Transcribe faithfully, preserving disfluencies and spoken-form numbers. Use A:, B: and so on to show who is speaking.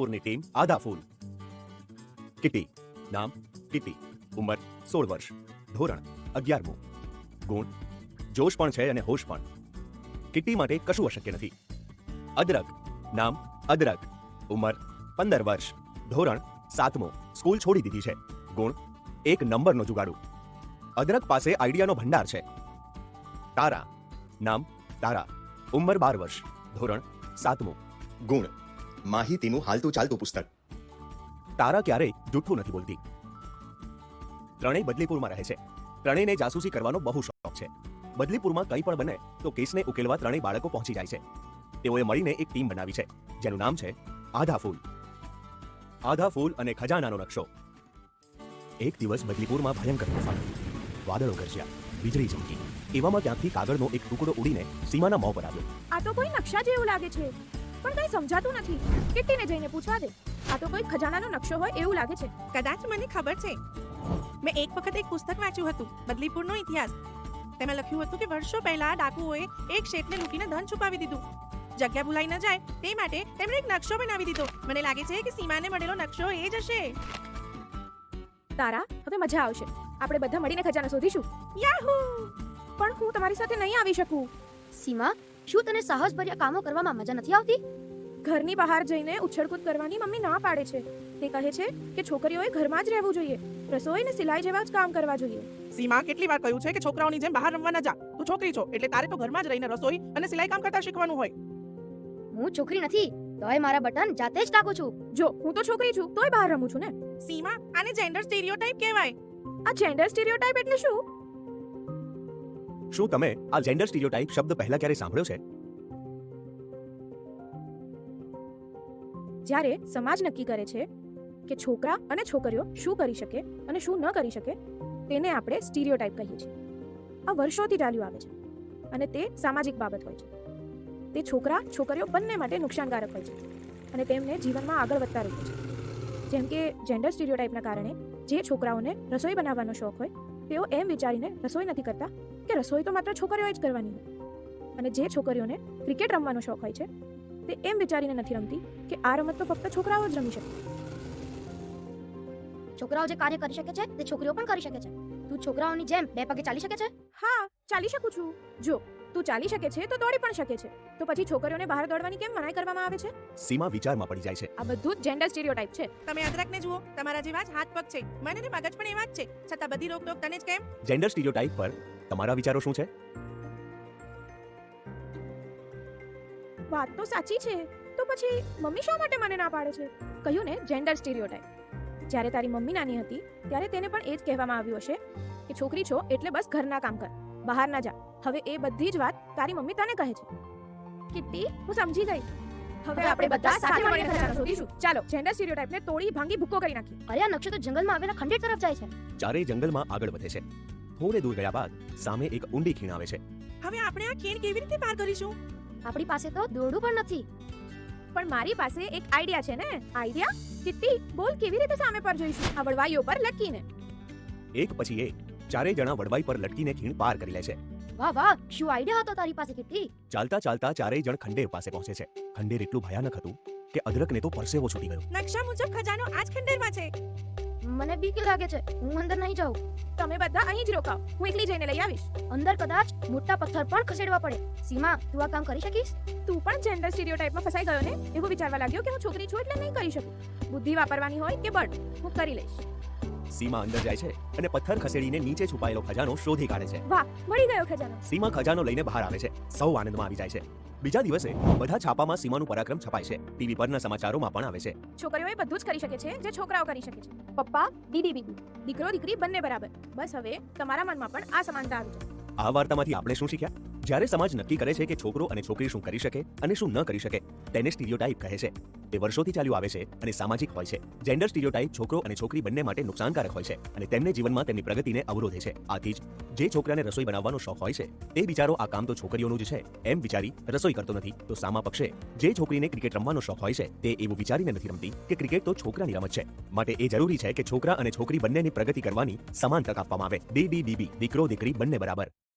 A: બદલીપુરની team આધા ફૂલ. Kitty. નામ kitty. ઉંમર સોળ વર્ષ. ધોરણ અગિયારમું. ગુણ જોશ પણ છે અને હોશ પણ. કિટી માટે કશું અશક્ય નથી. અદરક. નામ અદરક. ઉંમર પંદર વર્ષ. ધોરણ સાતમું. સ્કૂલ છોડી દીધી છે. ગુણ એક નંબરનો જુગાડુ. અદરક પાસે આઈડિયાનો ભંડાર છે. તારા. નામ તારા. ઉંમર બાર વર્ષ. ધોરણ સાતમું.
B: ગુણ માહિતીનું હાલતું ચાલતું પુસ્તક.
A: તારા ક્યારેય જૂઠું નથી બોલતી. ત્રણેય બદલીપુરમાં રહે છે. ત્રણેયને જાસૂસી કરવાનો બહુ શોખ છે. બદલીપુરમાં કંઈ પણ બને તો કેસને ઉકેલવા ત્રણેય બાળકો પહોંચી જાય છે. તેઓએ મળીને એક ટીમ બનાવી છે જેનું નામ છે આધા ફૂલ. આધા ફૂલ અને ખજાનાનો નકશો. એક દિવસ બદલીપુરમાં ભયંકર તોફાન થયું. વાદળો ગરજ્યા, વીજળી ચમકી. એવામાં ત્યાંથી કાગળનો એક ટુકડો ઉડીને સીમાના મોં પર આવ્યો.
C: આ તો કોઈ નકશા જેવું લાગે છે, પણ કંઈ સમજાતું નથી. કિટ્ટીને જઈને પૂછવા દે. આ તો કોઈ ખજાનાનો નકશો હોય એવું લાગે છે.
D: કદાચ મને ખબર છે. મેં એક વખત એક પુસ્તક વાંચ્યું હતું, બદલીપુરનો ઇતિહાસ. તેમાં લખ્યું હતું કે વર્ષો પહેલા ડાકુઓએ એક શેઠને લૂંટીને ધન છુપાવી દીધું. જગ્યા ભૂલાઈ ન જાય તે માટે તેમણે એક નકશો બનાવી દીધો. મને લાગે છે કે સીમાને મળેલો નકશો એ જ હશે.
C: તારા, હવે મજા આવશે. આપણે બધા મળીને ખજાનો શોધીશું. યાહૂ! પણ હું તમારી સાથે નહીં આવી શકું.
E: સીમા, શું તને સાહસભર્યા કામો કરવામાં મજા નથી આવતી?
C: ઘરની બહાર જઈને ઉછળકૂદ કરવાની મમ્મી ના પાડે છે. તે કહે છે કે છોકરીઓએ ઘરમાં જ રહેવું જોઈએ, રસોઈ ને સિલાઈ જેવા જ કામ કરવા જોઈએ.
D: સીમા, કેટલી વાર કહ્યું છે કે છોકરાઓની જેમ બહાર રમવા ન જા. તું છોકરી છો એટલે તારે તો ઘરમાં જ રહીને રસોઈ અને સિલાઈ કામ કરતા શીખવાનું હોય.
E: હું છોકરી નથી, તોય મારા બટન જાતે જ ટાકું છું.
C: જો હું તો છોકરી છું તોય બહાર રમું છું ને.
D: સીમા, આને જેન્ડર સ્ટીરિયોટાઇપ કહેવાય.
C: આ જેન્ડર સ્ટીરિયોટાઇપ એટલે શું?
A: શું તમે આ જેન્ડર સ્ટીરિયોટાઇપ શબ્દ પહેલા ક્યારે સાંભળ્યો છે?
C: જ્યારે સમાજ નક્કી કરે છે કે છોકરા અને છોકરીઓ શું કરી શકે અને શું ન કરી શકે, તેને આપણે સ્ટીરિયોટાઇપ કહીએ છીએ. આ વર્ષોથી ચાલ્યું આવે છે અને તે સામાજિક બાબત હોય છે. તે છોકરા છોકરીઓ બંને માટે નુકસાનકારક હોય છે અને તેમને જીવનમાં આગળ વધતા રોકે છે. જેમ કે જેન્ડર સ્ટીરિયોટાઇપના કારણે જે છોકરાઓને રસોઈ બનાવવાનો શોખ હોય તેઓ એમ વિચારીને રસોઈ નથી કરતા કે રસોઈ તો માત્ર છોકરીઓએ જ કરવાની હોય, અને જે છોકરીઓને ક્રિકેટ રમવાનો શોખ હોય છે તે એમ વિચારીને નથી રમતી કે આ રમત તો ફક્ત છોકરાઓ જ રમી શકે.
E: છોકરાઓ જે કાર્ય કરી શકે છે તે છોકરીઓ પણ કરી શકે છે. તું છોકરાઓની જેમ બે પગે ચાલી શકે છે?
C: હા, ચાલી શકું છું. જો તું ચાલી શકે છે તો દોડી પણ શકે છે, તો પછી છોકરીઓને બહાર દોડવાની કેમ મનાઈ કરવામાં આવે છે?
A: સીમા વિચારમાં પડી જાય છે.
C: આ બધું જ જેન્ડર સ્ટીરિયોટાઇપ છે.
D: તમે અદરકને જુઓ, તમારા જેવા જ હાથ પગ છે. મને ને મગજ પણ એવા જ છે, છતાં બધી રોકટોક તને જ કેમ?
A: જેન્ડર સ્ટીરિયોટાઇપ પર તમારા વિચારો શું છે?
C: વાત તો સાચી છે, તો પછી મમ્મી શા માટે મને ના પાડે છે? કહ્યું ને, જેન્ડર સ્ટીરિયોટાઇપ. જ્યારે તારી મમ્મી નાની હતી ત્યારે તેને પણ એ જ કહેવામાં આવ્યું હશે કે છોકરી છો એટલે બસ ઘરના કામ કર, બહાર ના જા. હવે એ બધી જ વાત તારી મમ્મી તને કહે છે. કિટ્ટી, હું સમજી ગઈ. હવે આપણે બધા સાથે મળીને ખજાનો શોધીશું. ચાલો, જેન્ડર સ્ટીરિયોટાઇપને તોડી ભાંગી ભૂક્કો કરી નાખીએ.
E: અરે, આ નકશો તો જંગલમાં આવેલા ખંડેર તરફ જાય છે.
A: ચારેય જંગલમાં આગળ વધે છે. થોડે દૂર ગયા બાદ સામે એક ઊંડી ખીણ આવે છે.
D: હવે આપણે આ ખીણ કેવી રીતે પાર કરીશું?
E: આપણી પાસે તો દોરડું પણ નથી.
C: પણ મારી પાસે એક આઈડિયા છે ને. આઈડિયા? કિટ્ટી, બોલ, કેવી રીતે સામે પર જઈશું? આ વડવાઈઓ પર લટકીને.
A: એક પછી એક ચારેય જણા વડવાઈ પર લટકીને ખીણ પાર કરી લે છે.
E: વાહ વાહ, શું આઈડિયા હતો તારી પાસે, કિટ્ટી.
A: ચાલતા ચાલતા ચારેય જણ ખંડેર પાસે પહોંચે છે. ખંડેર એટલું ભયાનક હતું કે અદરકને તો પરસેવો છૂટી ગયો.
D: નકશા મુજબ ખજાનો આ જ ખંડેરમાં છે.
E: મને બીક લાગે છે, હું અંદર નહીં જાઉં.
C: તમે બધા અહીં જ રોકાઓ, હું એકલી જઈને લઈ આવીશ.
E: અંદર કદાચ મોટા પથ્થર પણ ખસેડવા પડે. સીમા, તું આ કામ કરી શકીશ?
C: તું પણ જેન્ડર સ્ટીરિયોટાઇપમાં ફસાઈ ગયો ને? એવું વિચારવા લાગ્યો કે હું છોકરી છું એટલે નહીં કરી શકું. બુદ્ધિ વાપરવાની હોય કે બળ, હું કરી લઈશ.
A: સીમા અંદર જાય છે અને પથ્થર ખસેડીને નીચે છુપાયેલો ખજાનો શોધી કાઢે છે.
C: વાહ, મળી ગયો ખજાનો.
A: સીમા ખજાનો લઈને બહાર આવે છે. સૌ આનંદમાં આવી જાય છે. બીજા દિવસે બધા છાપામાં સીમાનું પરાક્રમ છપાય છે. ટીવી પરના સમાચારોમાં પણ આવે છે.
C: છોકરીઓએ બધું જ કરી શકે છે જે છોકરાઓ કરી શકે છે. પપ્પા, દીદી, બીબી, દીકરો દીકરી બંને બરાબર. બસ હવે તમારા મનમાં પણ આ સમાનતા આવી જાય.
A: આ વાર્તામાંથી આપણે શું શીખ્યા? જ્યારે સમાજ નક્કી કરે છે કે છોકરો અને છોકરી શું કરી શકે અને શું ન કરી શકે, તેને સ્ટીરિયોટાઇપ કહે છે. તે વર્ષોથી ચાલ્યું આવે છે અને સામાજિક હોય છે. જેન્ડર સ્ટીરિયોટાઇપ છોકરો અને છોકરી બંને માટે નુકસાનકારક હોય છે અને તેમને જીવનમાં તેમની પ્રગતિને અવરોધે છે. આથી જ જે છોકરાને રસોઈ બનાવવાનો શોખ હોય છે તે બિચારો આ કામ તો છોકરીઓનું જ છે એમ વિચારી રસોઈ કરતો નથી. તો સામા પક્ષે જે છોકરીને ક્રિકેટ રમવાનો શોખ હોય છે તે એવું વિચારીને નથી રમતી કે ક્રિકેટ તો છોકરાની રમત છે. માટે એ જરૂરી છે કે છોકરા અને છોકરી બંનેની પ્રગતિ કરવાની સમાન તક આપવામાં આવે. ડી ડી ડી બી, દીકરો દીકરી બંને બરાબર.